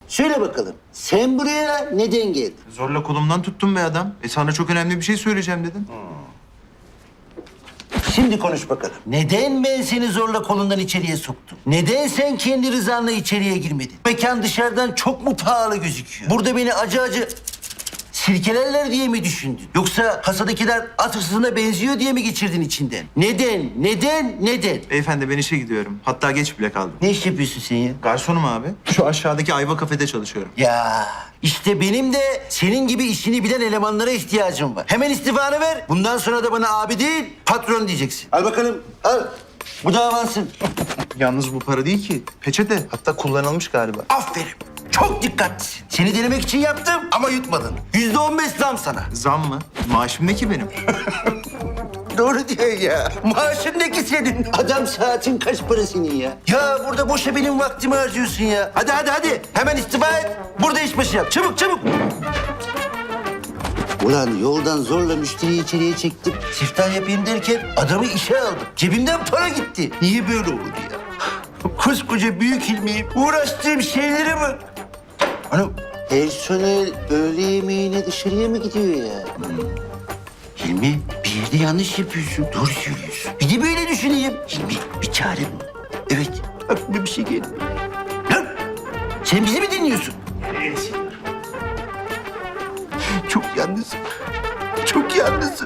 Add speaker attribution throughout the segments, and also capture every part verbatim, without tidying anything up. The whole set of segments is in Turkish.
Speaker 1: Söyle bakalım. Sen buraya neden geldin?
Speaker 2: Zorla kolumdan tuttun be adam. E sana çok önemli bir şey söyleyeceğim dedin.
Speaker 1: Şimdi konuş bakalım. Neden ben seni zorla kolundan içeriye soktum? Neden sen kendi rızanla içeriye girmedin? Mekan dışarıdan çok mu pahalı gözüküyor? Burada beni acı acı sirkelerler diye mi düşündün? Yoksa kasadakiler at hırsızına benziyor diye mi geçirdin içinden? Neden? Neden? Neden?
Speaker 2: Beyefendi ben işe gidiyorum. Hatta geç bile kaldım.
Speaker 1: Ne iş yapıyorsun sen ya?
Speaker 2: Garsonum abi. Şu aşağıdaki Ayva kafede çalışıyorum.
Speaker 1: Ya işte benim de senin gibi işini bilen elemanlara ihtiyacım var. Hemen istifanı ver. Bundan sonra da bana abi değil, patron diyeceksin. Al bakalım, al. Bu da avansın.
Speaker 2: Yalnız bu para değil ki. Peçete. Hatta kullanılmış galiba.
Speaker 1: Aferin. Çok dikkatlisin. Seni denemek için yaptım ama yutmadın. Yüzde on beş zam sana.
Speaker 2: Zam mı? Maaşım ne ki benim?
Speaker 1: Doğru diyor ya. Maaşın ne ki senin? Adam saatin kaç para senin ya? Ya burada boşa benim vaktimi harcıyorsun ya. Hadi hadi hadi. Hemen istifa et. Burada işbaşı yap. Çabuk çabuk. Ulan yoldan zorla müşteriyi içeriye çektim. Siftah yapayım derken adamı işe aldım. Cebimden para gitti. Niye böyle oldu ya? Koskoca büyük ilmiyim. Uğraştığım şeylere bak. Hanım, personel öğle yemeğine dışarıya mı gidiyor ya? Hilmi, bir yerde yanlış yapıyorsun. Doğru söylüyorsun. Bir de böyle düşüneyim. Hilmi, bir çare bul. Evet, aklıma bir şey geldi. Lan, sen bizi mi dinliyorsun? Evet. Çok yalnızım. Çok yalnızım.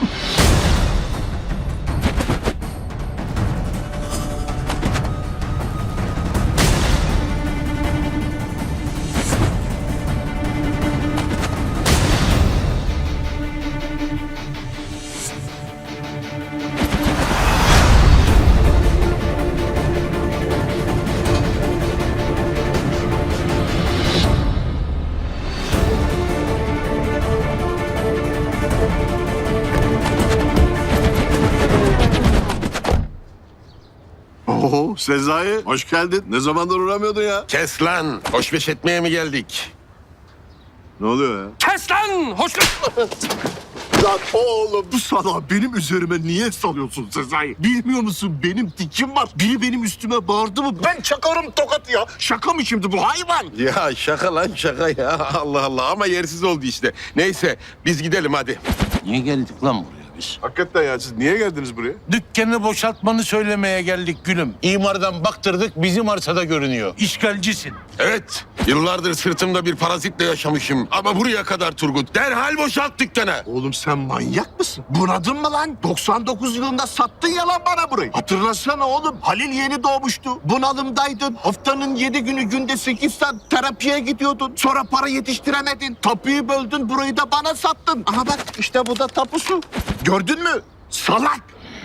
Speaker 3: Oo Sezai, hoş geldin. Ne zamandır uğramıyordun ya?
Speaker 4: Kes lan! Hoşbeş etmeye mi geldik?
Speaker 3: Ne oluyor ya?
Speaker 4: Kes lan! Hoş...
Speaker 3: Lan oğlum bu sana benim üzerime niye salıyorsun Sezai? Bilmiyor musun benim dikim var. Biri benim üstüme bağırdı mı ben çakarım tokat ya. Şaka mı şimdi bu hayvan?
Speaker 4: Ya şaka lan şaka ya. Allah Allah ama yersiz oldu işte. Neyse biz gidelim hadi.
Speaker 5: Niye geldik lan buraya biz?
Speaker 3: Hakikaten ya siz niye geldiniz buraya?
Speaker 5: Dükkanı boşaltmanı söylemeye geldik gülüm. İmardan baktırdık bizim arsada görünüyor. İşgalcisin.
Speaker 4: Evet yıllardır sırtımda bir parazitle yaşamışım. Ama buraya kadar Turgut. Derhal boşalt dükkanı.
Speaker 3: Oğlum sen manyak mısın? Bunadın mı lan? doksan dokuz yılında sattın ya lan bana burayı. Hatırlasana oğlum. Halil yeni doğmuştu. Bunalımdaydın. Haftanın yedi günü günde sekiz saat terapiye gidiyordun. Sonra para yetiştiremedin. Tapuyu böldün. Burayı da bana sattın. Aha bak işte bu da tapusu. Gördün mü? Salak.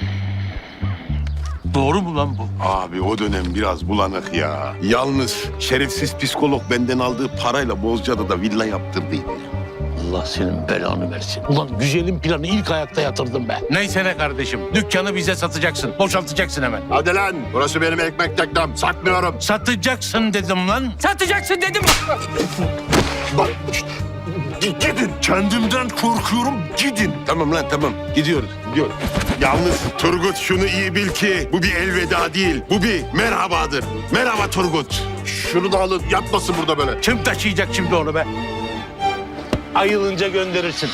Speaker 5: Doğru mu lan bu?
Speaker 4: Abi o dönem biraz bulanık ya. Yalnız şerefsiz psikolog benden aldığı parayla Bozcaada'da villa yaptırdıydı.
Speaker 5: Allah senin belanı versin. Ulan güzelim planı ilk ayakta yatırdım be. Neyse ne kardeşim. Dükkanı bize satacaksın. Boşaltacaksın hemen.
Speaker 3: Hadi lan. Burası benim ekmek teknem. Satmıyorum.
Speaker 5: Satacaksın dedim lan. Satacaksın dedim.
Speaker 3: Bak işte. Gidin. Kendimden korkuyorum. Gidin.
Speaker 4: Tamam lan tamam gidiyoruz gidiyoruz. Yalnız Turgut şunu iyi bil ki bu bir elveda değil. Bu bir merhabadır. Merhaba Turgut.
Speaker 3: Şunu da alın. Yatmasın burada böyle.
Speaker 5: Kim taşıyacak şimdi onu be? Ayılınca gönderirsin.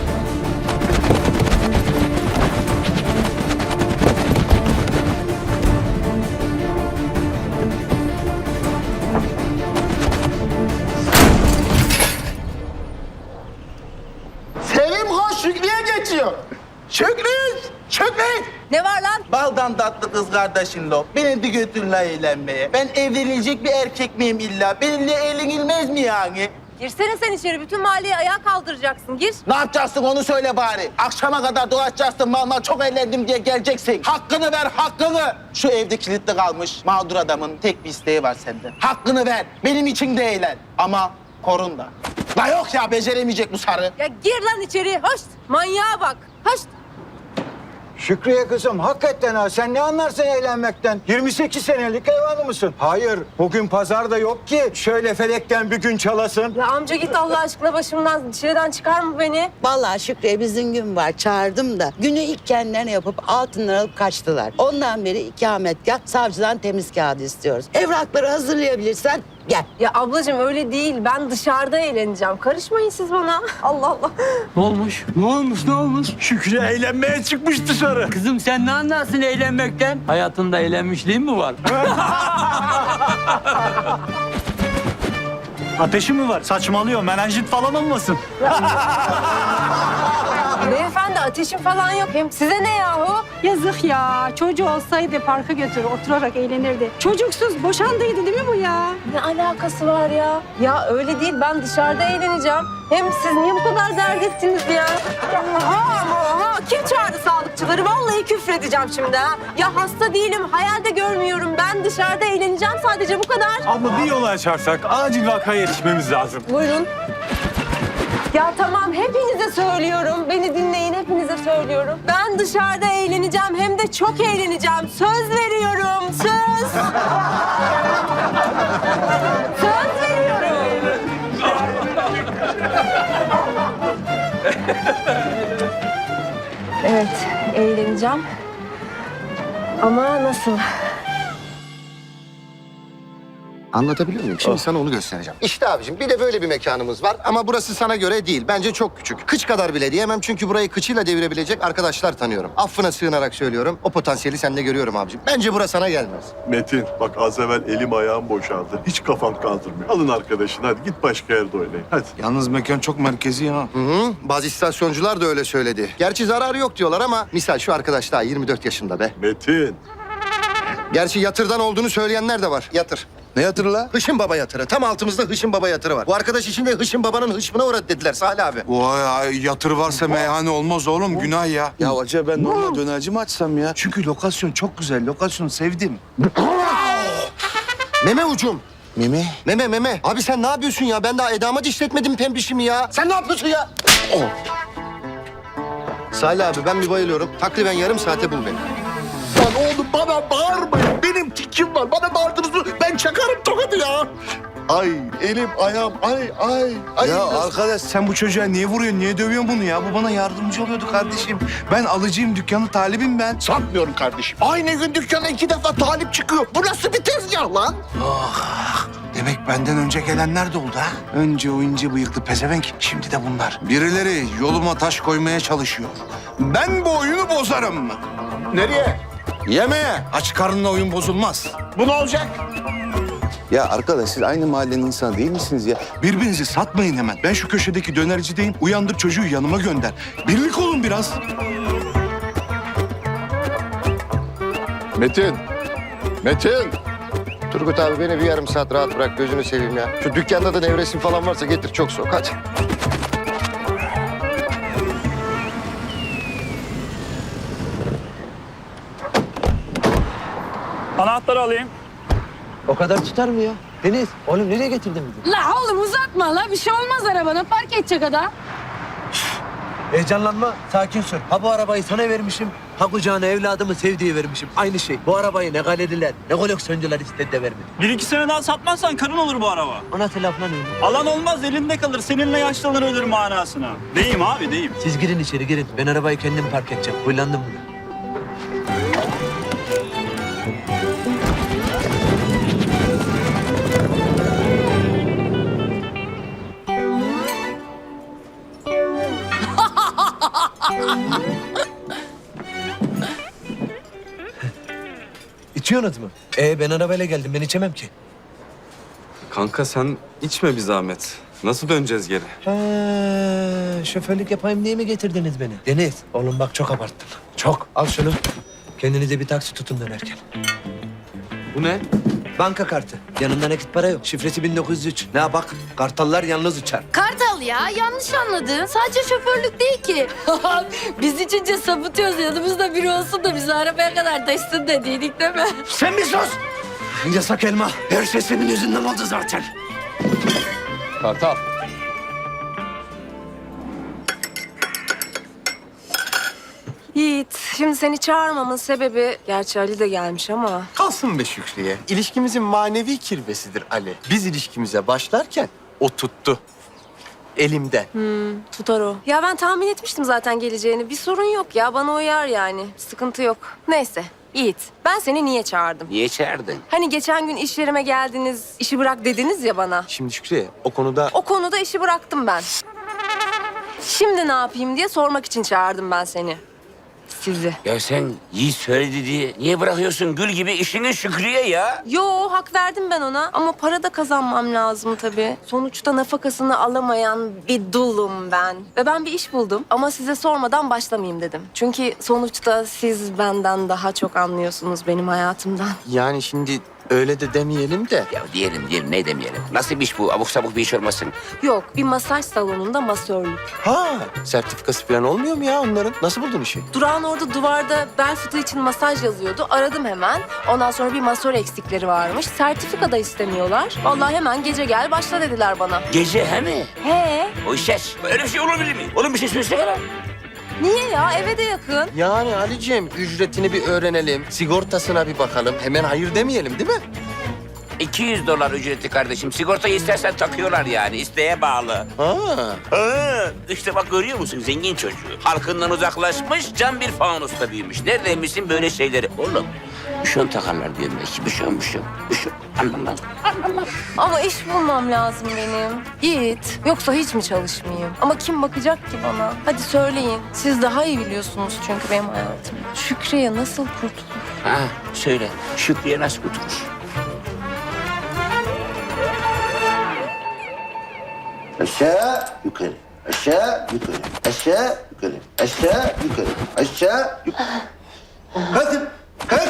Speaker 6: Sevim hoş Şükrü'ye geçiyor. Şükrü! Şükrü!
Speaker 7: Ne var lan?
Speaker 6: Baldan tatlı kız kardeşin lo. Beni de götürle eğlenmeye. Ben evlenilecek bir erkek miyim illa? Benimle eğlenilmez mi yani?
Speaker 7: Girsene sen içeri. Bütün mahalleyi ayağa kaldıracaksın. Gir.
Speaker 6: Ne yapacaksın onu söyle bari. Akşama kadar dolaşacaksın. Vallahi çok eğlendim diye geleceksin. Hakkını ver, hakkını. Şu evde kilitli kalmış mağdur adamın tek bir isteği var senden. Hakkını ver. Benim için de eğlen. Ama korun da. La yok ya beceremeyecek bu sarı.
Speaker 7: Ya gir lan içeri. Hoş. Manyağa bak. Hoş.
Speaker 8: Şükriye kızım hakikaten ha sen ne anlarsın eğlenmekten? yirmi sekiz senelik ev hanımı mısın? Hayır bugün pazar da yok ki şöyle felekten bir gün çalasın.
Speaker 7: Ya amca git Allah aşkına başımdan. Dışarıdan çıkar mı beni?
Speaker 9: Vallahi Şükrü'ye bizim gün var çağırdım da günü ilk kendilerine yapıp altınları alıp kaçtılar. Ondan beri ikametgah savcıdan temiz kağıdı istiyoruz. Evrakları hazırlayabilirsen Gel.
Speaker 7: Ya ablacığım öyle değil. Ben dışarıda eğleneceğim. Karışmayın siz bana. Allah Allah.
Speaker 8: Ne olmuş? Ne olmuş ne olmuş? Şükrü eğlenmeye çıkmış dışarı.
Speaker 10: Kızım sen ne anlarsın eğlenmekten? Hayatında eğlenmişliğin mi var?
Speaker 8: Ateşi mi var? Saçmalıyor. Menenjit falan olmasın.
Speaker 7: Beyefendi ateşim falan yok. Hem size ne yahu?
Speaker 11: Yazık ya. Çocuğu olsaydı parka götürür, oturarak eğlenirdi. Çocuksuz boşandıydı değil mi bu ya?
Speaker 7: Ne alakası var ya? Ya öyle değil. Ben dışarıda eğleneceğim. Hem siz niye bu kadar dert ettiniz ya? Oha ama oha. Kim çağırdı sağlıkçıları? Vallahi küfredeceğim şimdi ha. Ya hasta değilim. Hayalde görmüyorum. Ben dışarıda eğleneceğim sadece bu kadar.
Speaker 8: Abla bir yol açarsak acil vakaya yetişmemiz lazım.
Speaker 7: Buyurun. Ya tamam hepinize söylüyorum. Beni dinleyin hepinize söylüyorum. Ben dışarıda eğleneceğim hem de çok eğleneceğim. Söz veriyorum. Söz. Söz veriyorum. Evet eğleneceğim. Ama nasıl?
Speaker 3: Anlatabiliyor muyum? Şimdi sana onu göstereceğim. İşte abicim bir de böyle bir mekanımız var ama burası sana göre değil. Bence çok küçük. Kıç kadar bile diyemem çünkü burayı kıçıyla devirebilecek arkadaşlar tanıyorum. Affına sığınarak söylüyorum. O potansiyeli sende görüyorum abicim. Bence burası sana gelmez.
Speaker 4: Metin bak az evvel elim ayağım boşaldı. Hiç kafam kaldırmıyor. Alın arkadaşını hadi git başka yerde oynayın. Hadi.
Speaker 2: Yalnız mekan çok merkezi ha.
Speaker 3: Hı hı. Bazı istasyoncular da öyle söyledi. Gerçi zararı yok diyorlar ama misal şu arkadaş daha yirmi dört yaşında be.
Speaker 4: Metin.
Speaker 3: Gerçi yatırdan olduğunu söyleyenler de var. Yatır.
Speaker 2: Ne hatırla?
Speaker 3: Hışım Baba yatırı. Tam altımızda Hışım Baba yatırı var. Bu arkadaş için de Hışım Baba'nın hışmına uğradı dediler Salih abi.
Speaker 2: Vay ay, yatır varsa meyhane olmaz oğlum günah ya. Ya acaba ben normal dönerci mi açsam ya? Çünkü lokasyon çok güzel. Lokasyonu sevdim.
Speaker 3: Meme ucum.
Speaker 2: Mimi.
Speaker 3: Meme meme. Abi sen ne yapıyorsun ya? Ben daha edama dişletmedim pembişimi ya. Sen ne yapıyorsun ya? Oh. Salih abi ben bir bayılıyorum. Takriben yarım saate bul beni. Lan oğlum bana bağırmayın. Benim tikim var. Bana bağırdınız. Ben çakarım tokadı ya. Ay elim ayağım ay ay. ay
Speaker 2: Ya
Speaker 3: nasıl-
Speaker 2: arkadaş sen bu çocuğa niye vuruyorsun? Niye dövüyorsun bunu ya? Bu bana yardımcı oluyordu kardeşim. Ben alıcıyım, dükkanı talibim ben.
Speaker 3: Sanmıyorum kardeşim. Aynı gün dükkana iki defa talip çıkıyor. Bu nasıl bir tezgah lan?
Speaker 2: Ah, demek benden önce gelenler de oldu ha? Önce o ince bıyıklı pezevenk, şimdi de bunlar. Birileri yoluma taş koymaya çalışıyor. Ben bu oyunu bozarım.
Speaker 3: Nereye?
Speaker 2: Yemeğe. Aç karnına oyun bozulmaz.
Speaker 3: Bu ne olacak?
Speaker 2: Ya arkadaş siz aynı mahallenin insanı değil misiniz ya? Birbirinizi satmayın hemen. Ben şu köşedeki dönercideyim. Uyandır çocuğu yanıma gönder. Birlik olun biraz.
Speaker 3: Metin. Metin. Turgut abi beni bir yarım saat rahat bırak gözünü seveyim ya. Şu dükkanda da nevresim falan varsa getir çok soğuk hadi.
Speaker 8: Anahtarı alayım.
Speaker 10: O kadar tutar mı ya? Deniz, oğlum nereye getirdin bizi?
Speaker 11: La oğlum uzatma la. Bir şey olmaz arabana. Park edecek adam.
Speaker 10: Heyecanlanma, sakin sür. Ha bu arabayı sana vermişim, ha kucağına evladımı sevdiği vermişim. Aynı şey. Bu arabayı ne galeriler, ne koleksiyoncular istedi de vermedi.
Speaker 8: Bir iki sene daha satmazsan karın olur bu araba.
Speaker 10: O nasıl laf lan öyle?
Speaker 8: Alan olmaz elinde kalır. Seninle yaşlanır ölür manasına. Deyim abi deyim.
Speaker 10: Siz girin içeri girin. Ben arabayı kendim park edeceğim. Huylandım buna. İçiyorsunuz mu? Ee ben arabayla geldim. Ben içemem ki.
Speaker 12: Kanka sen içme bir zahmet. Nasıl döneceğiz geri?
Speaker 10: Ha, şoförlük yapayım diye mi getirdiniz beni? Deniz, oğlum bak çok abarttın. Çok. Al şunu. Kendinize bir taksi tutun dönerken.
Speaker 12: Bu ne?
Speaker 10: Banka kartı. Yanında nakit para yok. Şifresi bin dokuz yüz üç. Ne bak? Kartallar yalnız uçar.
Speaker 11: Kartal ya. Yanlış anladın. Sadece şoförlük değil ki. Biz içince sapıtıyoruz. Yanımızda biri olsun da bizi arabaya kadar taşısın dediydik değil mi?
Speaker 10: Sen bir sus! Yasak elma. Her şey senin yüzünden oldu zaten.
Speaker 12: Kartal.
Speaker 7: Yiğit, şimdi seni çağırmamın sebebi... Gerçi Ali de gelmiş ama...
Speaker 13: Kalsın be Şükriye. İlişkimizin manevi kirvesidir Ali. Biz ilişkimize başlarken o tuttu. Elimde.
Speaker 7: Hmm, tutar o. Ya ben tahmin etmiştim zaten geleceğini. Bir sorun yok ya, bana uyar yani. Sıkıntı yok. Neyse, Yiğit, ben seni niye çağırdım?
Speaker 13: Niye çağırdın?
Speaker 7: Hani geçen gün iş yerime geldiniz, işi bırak dediniz ya bana.
Speaker 13: Şimdi Şükriye o konuda...
Speaker 7: O konuda işi bıraktım ben. Şimdi ne yapayım diye sormak için çağırdım ben seni. Sizi.
Speaker 13: Ya sen Yiğit söyledi diye niye bırakıyorsun gül gibi işini Şükriye ya?
Speaker 7: Yo, hak verdim ben ona. Ama para da kazanmam lazım tabii. Sonuçta nafakasını alamayan bir dulum ben. Ve ben bir iş buldum. Ama size sormadan başlamayayım dedim. Çünkü sonuçta siz benden daha çok anlıyorsunuz benim hayatımdan.
Speaker 13: Yani şimdi öyle de demeyelim de. Ya diyelim diyelim ne demeyelim. Nasıl bir iş bu? Abuk sabuk bir iş olmasın.
Speaker 7: Yok, bir masaj salonunda masörlük.
Speaker 13: Ha, sertifikası falan olmuyor mu ya onların? Nasıl buldun işi?
Speaker 7: Durağın orada duvarda bel fıtığı için masaj yazıyordu. Aradım hemen. Ondan sonra bir masör eksikleri varmış. Sertifika da istemiyorlar. Vallahi hemen gece gel başla dediler bana.
Speaker 13: Gece he mi?
Speaker 7: He?
Speaker 13: O işes. Öyle bir şey olabilir mi? Oğlum bir şey söylesene lan.
Speaker 7: Niye ya? Eve de yakın.
Speaker 13: Yani Ali'ciğim ücretini bir öğrenelim. Sigortasına bir bakalım. Hemen hayır demeyelim değil mi? iki yüz dolar ücreti kardeşim. Sigortayı istersen takıyorlar yani. İsteğe bağlı. Ha. Ha. İşte bak görüyor musun zengin çocuğu. Halkından uzaklaşmış, can bir fanusta büyümüş. Neredeymişsin böyle şeyleri? Oğlum, büşon takarlar diyorum belki. Büşon, büşon, büşon. Anlam lan.
Speaker 7: Ama iş bulmam lazım benim. Yiğit, yoksa hiç mi çalışmayayım? Ama kim bakacak ki bana? Hadi söyleyin. Siz daha iyi biliyorsunuz çünkü benim hayatımı. Şükriye nasıl kurtulur?
Speaker 13: Ha, söyle. Şükriye nasıl kurtulur?
Speaker 1: Aşağı, yukarı. Aşağı, yukarı. Aşağı, yukarı. Aşağı, yukarı. Aşağı, yukarı. Kalkın, kalk.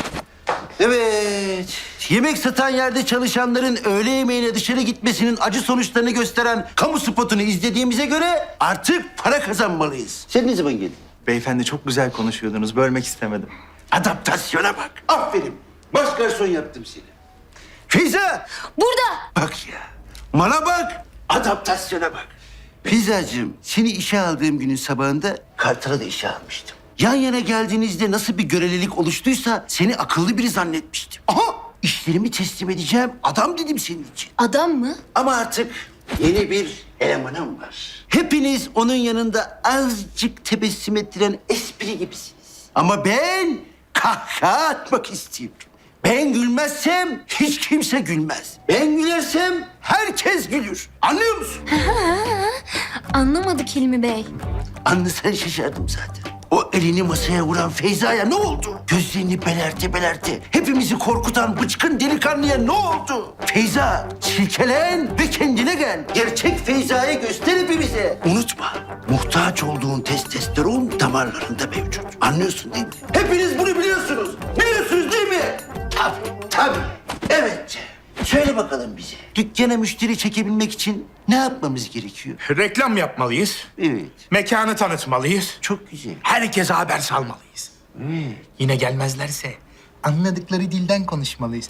Speaker 1: Evet. Yemek satan yerde çalışanların öğle yemeğine dışarı gitmesinin acı sonuçlarını gösteren kamu spotunu izlediğimize göre artık para kazanmalıyız. Sen ne zaman geldin?
Speaker 3: Beyefendi çok güzel konuşuyordunuz. Bölmek istemedim.
Speaker 1: Adaptasyona bak. Aferin. Baş garson yaptım seni. Feyza.
Speaker 11: Burada.
Speaker 1: Bak ya. Bana bak. Adaptasyona bak. Feyzacığım, seni işe aldığım günün sabahında Kartal'a da işe almıştım. Yan yana geldiğinizde nasıl bir görelilik oluştuysa seni akıllı biri zannetmiştim. Aha! İşlerimi teslim edeceğim. Adam dedim senin için.
Speaker 11: Adam mı?
Speaker 1: Ama artık yeni bir elemanım var. Hepiniz onun yanında azıcık tebessüm ettiren espri gibisiniz. Ama ben kahkaha atmak istiyorum. Ben gülmezsem hiç kimse gülmez. Ben gülersem herkes gülür. Anlıyor musun?
Speaker 11: Anlamadık Hilmi Bey.
Speaker 1: Anlasan şaşardım zaten. O elini masaya vuran Feyza'ya ne oldu? Gözlerini belerte belerte hepimizi korkutan bıçkın delikanlıya ne oldu? Feyza, silkelen ve kendine gel. Gerçek Feyza'yı göster hepimize. Unutma, muhtaç olduğun testosteron damarlarında mevcut. Anlıyorsun değil mi? Hepiniz bunu biliyorsunuz. Biliyorsunuz değil mi? Tabii, tabii. Evet. Söyle bakalım bize. Dükkana müşteri çekebilmek için ne yapmamız gerekiyor?
Speaker 3: Reklam yapmalıyız.
Speaker 1: Evet,
Speaker 3: Mekanı tanıtmalıyız.
Speaker 1: çok güzel.
Speaker 3: Herkese haber salmalıyız.
Speaker 1: Evet.
Speaker 3: Yine gelmezlerse anladıkları dilden konuşmalıyız.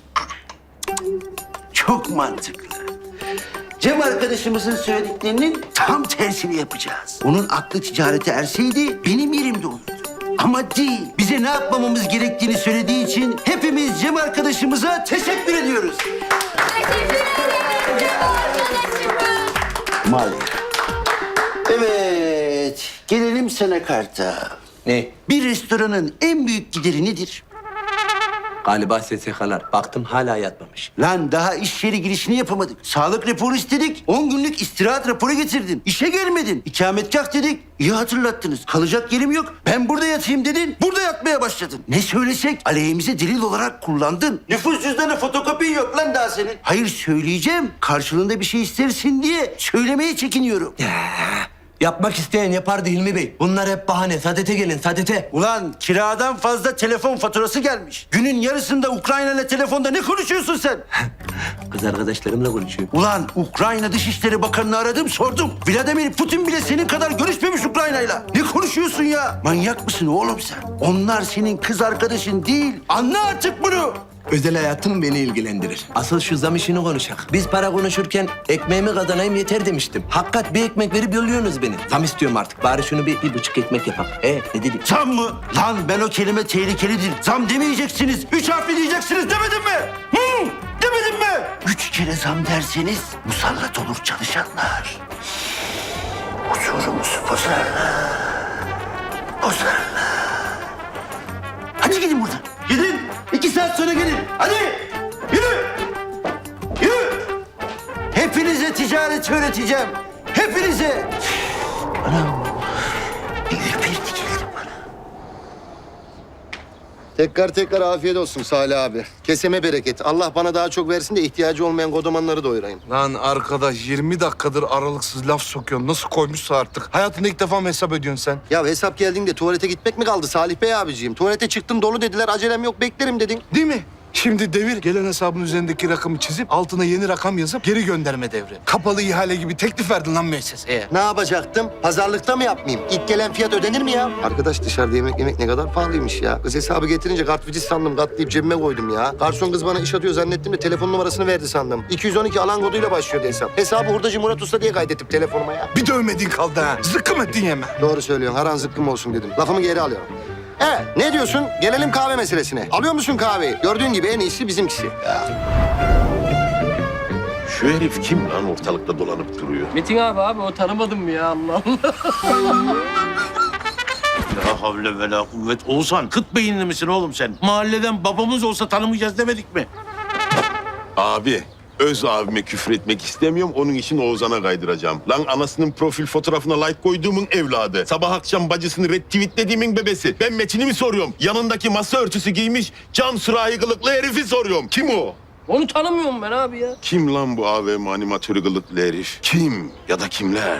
Speaker 1: Çok mantıklı. Cem arkadaşımızın söylediklerinin tam tersini yapacağız. Onun aklı ticarete erseydi benim yerimde olurdu. Ama değil. Bize ne yapmamamız gerektiğini söylediği için hepimiz Cem arkadaşımıza teşekkür ediyoruz. Maalesef. Evet, gelelim sana Karta.
Speaker 10: Ne?
Speaker 1: Bir restoranın en büyük gideri nedir?
Speaker 10: Galiba S S K'lar. Baktım hala yatmamış.
Speaker 1: Lan daha iş yeri girişini yapamadık. Sağlık raporu istedik. On günlük istirahat raporu getirdin. İşe gelmedin. İkametgah dedik. İyi hatırlattınız. Kalacak yerim yok. Ben burada yatayım dedin. Burada yatmaya başladın. Ne söylesek aleyhimize delil olarak kullandın. Nüfus cüzdanı fotokopin yok lan daha senin. Hayır söyleyeceğim. Karşılığında bir şey istersin diye söylemeye çekiniyorum.
Speaker 10: Yapmak isteyen yapardı Hilmi Bey. Bunlar hep bahane. Sadete gelin, sadete.
Speaker 1: Ulan kiradan fazla telefon faturası gelmiş. Günün yarısında Ukrayna ile telefonda ne konuşuyorsun sen?
Speaker 10: Kız arkadaşlarımla konuşuyorum.
Speaker 1: Ulan Ukrayna Dışişleri Bakanı'nı aradım sordum. Vladimir Putin bile senin kadar görüşmemiş Ukrayna'yla. Ne konuşuyorsun ya? Manyak mısın oğlum sen? Onlar senin kız arkadaşın değil. Anla artık bunu.
Speaker 10: Özel hayatım beni ilgilendirir. Asıl şu zam işini konuşak. Biz para konuşurken ekmeğimi kazanayım yeter demiştim. Hakikat bir ekmek verip yolluyorsunuz beni. Zam istiyorum artık. Bari şunu bir, bir buçuk ekmek yapak. E ne dedik?
Speaker 1: Zam mı? Lan ben o kelime tehlikelidir. Zam demeyeceksiniz. Üç harfli diyeceksiniz demedim mi? Hı? Demedim mi? Üç kere zam derseniz musallat olur çalışanlar. Huzurumuzu bozarlar. Bozarlar. Hadi gidin buradan. İki saat sonra gelin. Hadi. Yürü. Yürü. Hepinize ticaret öğreteceğim. Hepinize. Anam. Bir ürperti geldi bana.
Speaker 3: Tekrar tekrar afiyet olsun Salih abi. Keseme bereket. Allah bana daha çok versin de ihtiyacı olmayan kodomanları doyurayım.
Speaker 2: Lan arkadaş yirmi dakikadır aralıksız laf sokuyorsun. Nasıl koymuşsa artık. Hayatında ilk defa mı hesap ediyorsun sen?
Speaker 3: Ya hesap geldiğinde tuvalete gitmek mi kaldı Salih Bey abiciğim? Tuvalete çıktım dolu dediler, acelem yok beklerim dedin.
Speaker 2: Değil mi? Şimdi devir gelen hesabın üzerindeki rakamı çizip altına yeni rakam yazıp geri gönderme devri. Kapalı ihale gibi teklif verdin lan müesseseye.
Speaker 3: Ne yapacaktım? Pazarlıkta mı yapmayayım? İlk gelen fiyat ödenir mi ya? Arkadaş dışarıda yemek yemek ne kadar pahalıymış ya. Kız hesabı getirince kartvizit sandım, katlayıp cebime koydum ya. Garson kız bana iş atıyor zannettim de telefon numarasını verdi sandım. iki yüz on iki alan koduyla başlıyordu hesap. Hesabı hurdacı Murat Usta diye kaydettim telefonuma ya.
Speaker 2: Bir dövmediğin kaldı ha. Zıkkım ettin yeme.
Speaker 3: Doğru söylüyorsun. Haran zıkkım olsun dedim. Lafımı geri alıyorum. Evet, ne diyorsun? Gelelim kahve meselesine. Alıyor musun kahveyi? Gördüğün gibi en iyisi bizimkisi.
Speaker 4: Şu herif kim lan ortalıkta dolanıp duruyor?
Speaker 13: Metin abi abi o tanımadın mı ya Allah Allah.
Speaker 5: La havle ve la kuvvet. Oğuzhan kıt beyinli misin oğlum sen? Mahalleden babamız olsa tanımayacağız demedik mi?
Speaker 4: Abi, öz abime küfür etmek istemiyorum. Onun için Oğuzhan'a kaydıracağım. Lan anasının profil fotoğrafına like koyduğumun evladı. Sabah akşam bacısını retweetlediğimin bebesi. Ben Metin'i mi soruyorum? Yanındaki masa örtüsü giymiş cam sürahi kılıklı herifi soruyorum. Kim o?
Speaker 13: Onu tanımıyorum ben abi ya.
Speaker 4: Kim lan bu A V M animatörü kılıklı herif? Kim ya da kimler?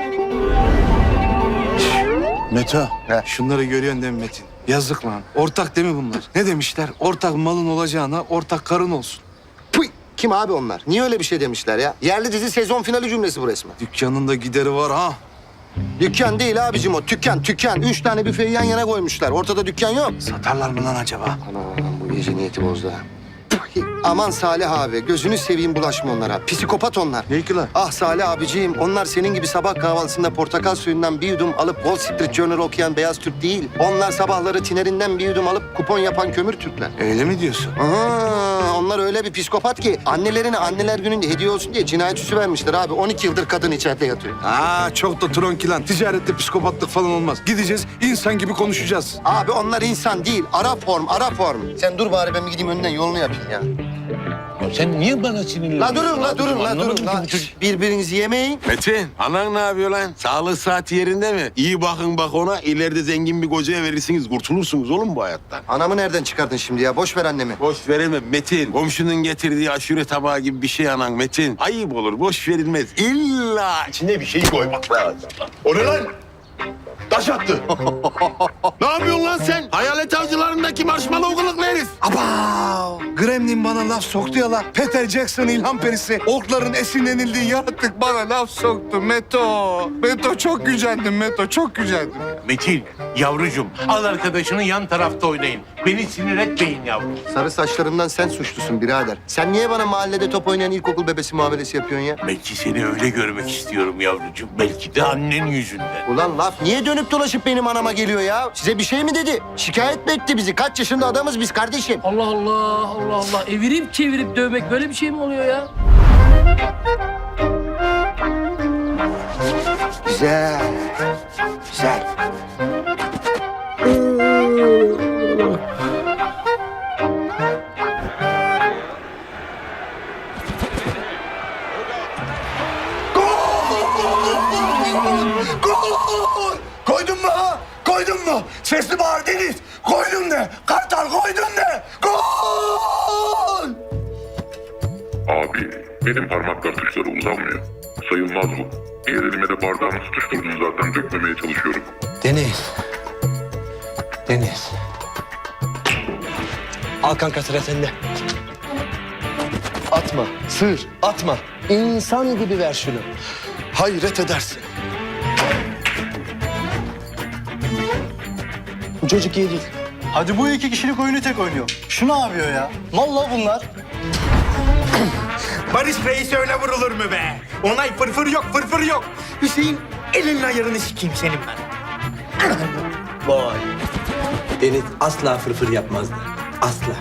Speaker 2: Meto, şunları görüyorsun değil mi Metin? Yazık lan. Ortak değil mi bunlar? Ne demişler? Ortak malın olacağına ortak karın olsun.
Speaker 3: Puy! Kim abi onlar? Niye öyle bir şey demişler ya? Yerli dizi sezon finali cümlesi bu resmen.
Speaker 2: Dükkanın da gideri var ha.
Speaker 3: Dükkan değil abicim o. Tükkan, tükkan. Üç tane büfeyi yan yana koymuşlar. Ortada dükkan yok.
Speaker 2: Satarlar mı lan acaba?
Speaker 3: Anam bu gece niyeti bozdu ha. Puy! Aman Salih abi, gözünü seveyim bulaşma onlara. Psikopat onlar.
Speaker 2: Ne ki lan?
Speaker 3: Ah Salih abiciğim, onlar senin gibi sabah kahvaltısında portakal suyundan bir yudum alıp Wall Street Journal okuyan beyaz Türk değil. Onlar sabahları tinerinden bir yudum alıp kupon yapan kömür Türkler.
Speaker 2: Öyle mi diyorsun?
Speaker 3: Aha, onlar öyle bir psikopat ki annelerine anneler gününde hediye olsun diye cinayet süsü vermişler abi. on iki yıldır kadın içeride yatıyor.
Speaker 2: Aa çok da tronki lan. Ticarette psikopatlık falan olmaz. Gideceğiz, insan gibi konuşacağız.
Speaker 3: Abi onlar insan değil, ara form, ara form. Sen dur bari ben bir gideyim önden yolunu yapayım ya.
Speaker 5: Ya sen niye bana sinirleniyorsun?
Speaker 3: La durun, la durun, la
Speaker 5: Anlamadım
Speaker 3: durun.
Speaker 5: ki
Speaker 3: La.
Speaker 5: bu çocuk.
Speaker 3: Birbirinizi yemeyin.
Speaker 4: Metin, anan ne yapıyor lan? Sağlık saati yerinde mi? İyi bakın bak ona. İleride zengin bir kocaya verirsiniz. Kurtulursunuz oğlum bu hayattan.
Speaker 3: Anamı nereden çıkardın şimdi ya? Boş ver annemi.
Speaker 4: Boş veremem Metin. Komşunun getirdiği aşure tabağı gibi bir şey anan Metin. Ayıp olur, boş verilmez. İlla içine bir şey koymak lazım. O ne lan? Taş attı. Ne yapıyorsun lan sen? Hayalet avcılarındaki marshmallow kılıklı herif.
Speaker 2: Abav! Gremlin bana laf soktu ya la. Peter Jackson ilham perisi. Orkların esinlenildiği yaratık bana laf soktu Meto. Meto çok gücendim Meto, çok gücendim.
Speaker 5: Metin, yavrucuğum al arkadaşını yan tarafta oynayın. Beni sinir etmeyin yavrum.
Speaker 3: Sarı saçlarından sen suçlusun birader. Sen niye bana mahallede top oynayan ilkokul bebesi muamelesi yapıyorsun ya?
Speaker 5: Belki seni öyle görmek istiyorum yavrucuğum. Belki de annen yüzünden.
Speaker 3: Ulan laf niye dönüp dolaşıp benim anama geliyor ya? Size bir şey mi dedi? Şikayet mi etti bizi? Kaç yaşında adamız biz kardeşim?
Speaker 13: Allah Allah Allah Allah. Evirip çevirip dövmek böyle bir şey mi oluyor ya?
Speaker 3: Güzel. Güzel.
Speaker 2: Gol! Koydun mu ha? Koydun mu? Sesli bağır Deniz. Koydun de. Kartal koydun de. Gol!
Speaker 14: Abi, benim parmaklar tuşlara uzanmıyor. Sayılmaz bu. Diğer elime de bardağımı tutuşturdum zaten, dökmemeye çalışıyorum.
Speaker 10: Deniz. Deniz. Al kanka sıra sende. Atma, sığır, atma. İnsan gibi ver şunu. Hayret edersin. Bu çocuk iyi değil.
Speaker 8: Hadi bu iki kişilik oyunu tek oynuyor. Şu ne yapıyor ya? Vallahi bunlar.
Speaker 3: Barış Reis öyle vurulur mu be? Onay fırfır yok, fırfır yok. Hüseyin elinin ayarını sikeyim senin ben.
Speaker 10: Vay. Deniz asla fırfır yapmazdı. Asla.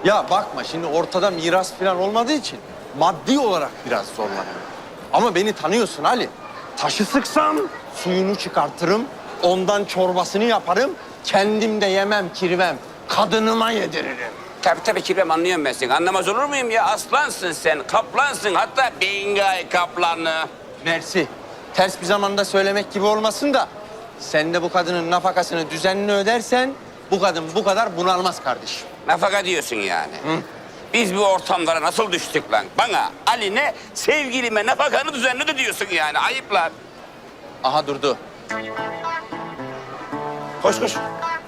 Speaker 10: Ya bakma şimdi ortada miras falan olmadığı için maddi olarak biraz zorlanıyorum. Ama beni tanıyorsun Ali. Taşı sıksam suyunu çıkartırım, ondan çorbasını yaparım, kendim de yemem, kirvem, kadınıma yediririm.
Speaker 13: Tabii tabii kirvem, anlıyorum ben seni. Anlamaz olur muyum ya? Aslansın sen, kaplansın. Hatta Bingay kaplanı.
Speaker 10: Mersi. Ters bir zamanda söylemek gibi olmasın da sen de bu kadının nafakasını düzenli ödersen bu kadın bu kadar bunalmaz kardeşim.
Speaker 13: Nafaka diyorsun yani. Biz bu ortamlara nasıl düştük lan? Bana, Ali'ne, sevgilime nafakanı düzenli diyorsun yani. Ayıp lan.
Speaker 10: Aha durdu.
Speaker 13: Koş koş.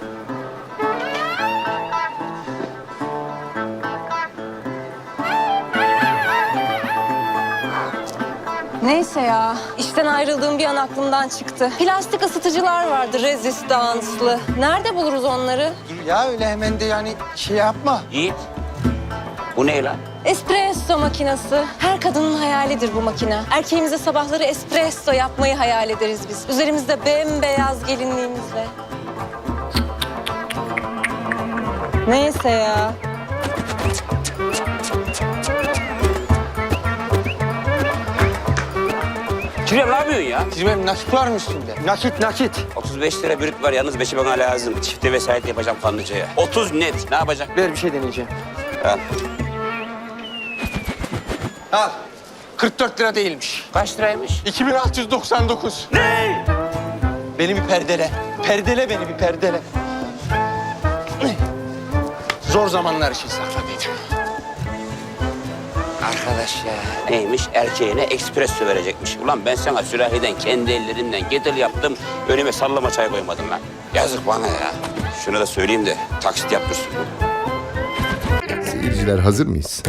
Speaker 7: Neyse ya, işten ayrıldığım bir an aklımdan çıktı. Plastik ısıtıcılar vardı, rezistanslı. Nerede buluruz onları?
Speaker 10: Dur ya öyle hemen de yani şey yapma.
Speaker 13: Yiğit. Bu ne lan?
Speaker 7: Espresso makinesi. Her kadının hayalidir bu makine. Erkeğimize sabahları espresso yapmayı hayal ederiz biz. Üzerimizde bembeyaz gelinliğimizle. Neyse ya.
Speaker 13: Kirvem ne yapıyorsun ya?
Speaker 10: Kirvem nakit var mı üstünde? Nakit nakit.
Speaker 13: otuz beş lira brüt var, yalnız beşi bana lazım. Çifte vesayet yapacağım kanlıcaya. otuz net. Ne yapacak?
Speaker 10: Ver bir şey deneyeceğim.
Speaker 13: Al.
Speaker 10: Al. kırk dört lira değilmiş.
Speaker 13: Kaç liraymış?
Speaker 10: iki bin altı yüz doksan dokuz. Ne? Beni bir perdele. Perdele beni bir perdele. Zor zamanlar için sakladıydım.
Speaker 13: Arkadaş ya. Neymiş? Erkeğine espresso verecekmiş. Ulan ben sana sürahiden kendi ellerimden getir yaptım. Önüme sallama çay koymadım lan. Yazık bana ya. Şunu da söyleyeyim de taksit yaptırsın.
Speaker 14: Seyirciler hazır mıyız?